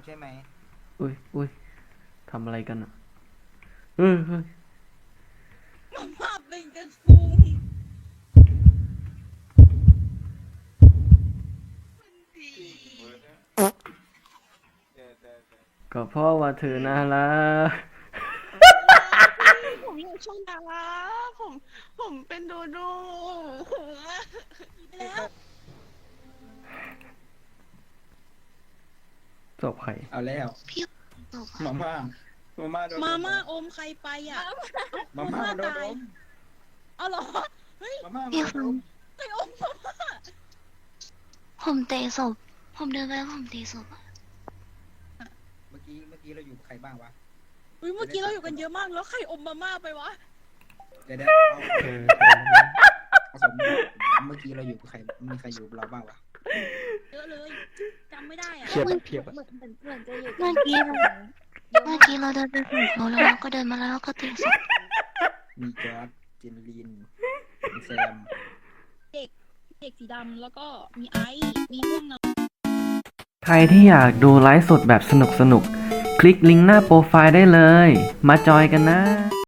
ใช่ไหมอุ้ยอุ้ยทำอะไรกันอ่ะเฮ้ยภาพเป็นกระทุงก็เพราะว่าเธอน่ารักผมอยากชมดาราผมเป็นโดโดแล้วจบใครเอาแล้วพี่มาม่ามาม่าโดนมาม่าอมใครไปอ่ะมาม่าโดนตายเอาเหรอเฮ้ยมาม่าพี่โดฟังนใครอมมาม่าผมเตะศพผมเดินไปแล้วผมเตะศพอะเมื่อกี้เราอยู่กับใครบ้างวะอุ้ยเมื่อกี้เราอยู่กันเยอะมากแล้วใครอมมาม่าไปวะเดี๋ยวเอาสมเมื่อกี้เราอยู่กับใครมีใครอยู่กับเราบ้างวะเยอะเลยจำไม่ได้อ่ะเพียบเพียบเมื่อกี้เราเดินไปศพเขาแล้วเราก็เดินมาแล้วเราก็เตะศพมีจอร์ดเจนลินมีแซมเด็กสีดำแล้วก็มีไอซ์มีม่วงน้ใครที่อยากดูไลฟ์สดแบบสนุกคลิกลิงก์หน้าโปรไฟล์ได้เลย มาจอยกันนะ